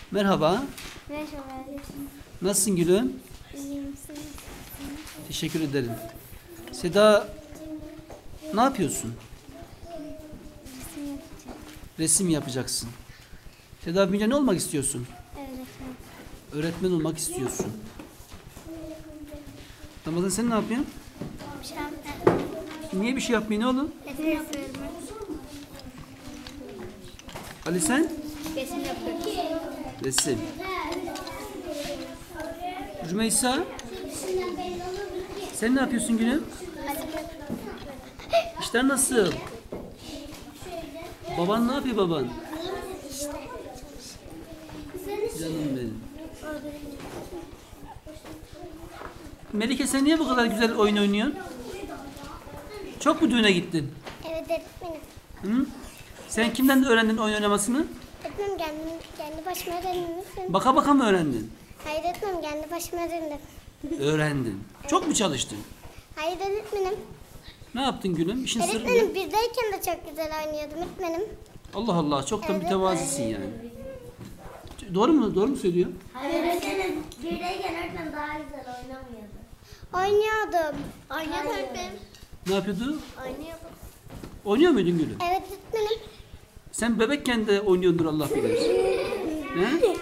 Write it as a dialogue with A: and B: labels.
A: Merhaba.
B: Merhaba.
A: Nasılsın gülüm?
B: İyiyim, siz?
A: Teşekkür ederim. Seda, ne yapıyorsun?
B: Resim yapacağım.
A: Resim yapacaksın. Seda, büyüyünce ne olmak istiyorsun?
B: Öğretmen.
A: Öğretmen olmak istiyorsun. Ramazan, sen ne yapıyorsun?
B: Bir şey yapmıyorum.
A: Niye bir şey yapmıyorsun oğlum?
B: Resim yapıyorum.
A: Ali, sen?
B: Resim yapıyorum.
A: Resim. Rümeysa, sen ne yapıyorsun gülüm? İşler nasıl? Baban ne yapıyor baban? Canım benim. Melike, sen niye bu kadar güzel oyun oynuyorsun? Çok mu düğüne gittin?
B: Evet öğretmenim.
A: Hı? Sen kimden öğrendin oyun oynamasını?
B: Öğretmenim kendi başıma öğrendim.
A: Baka baka mı öğrendin?
B: Hayır öğretmenim kendi başıma öğrendim.
A: Öğrendin. Çok mu çalıştın?
B: Hayır öğretmenim.
A: Ne yaptın gülüm? İşin sırrı
B: Öğretmenim
A: ne?
B: birdeyken de çok güzel oynuyordum öğretmenim.
A: Allah Allah, çok da
B: Evet.
A: mütevazisin yani. Doğru mu? Doğru mu söylüyor?
C: Öğretmenim birdeyken öğretmen daha güzel oynamıyordu.
B: Oynuyordum. Oynuyordum öğretmenim.
A: Ne yapıyordu?
B: Oynuyordum.
A: Oynuyor muydun gülüm?
B: Evet öğretmenim.
A: Sen bebekken de oynuyordun, Allah bilir. He?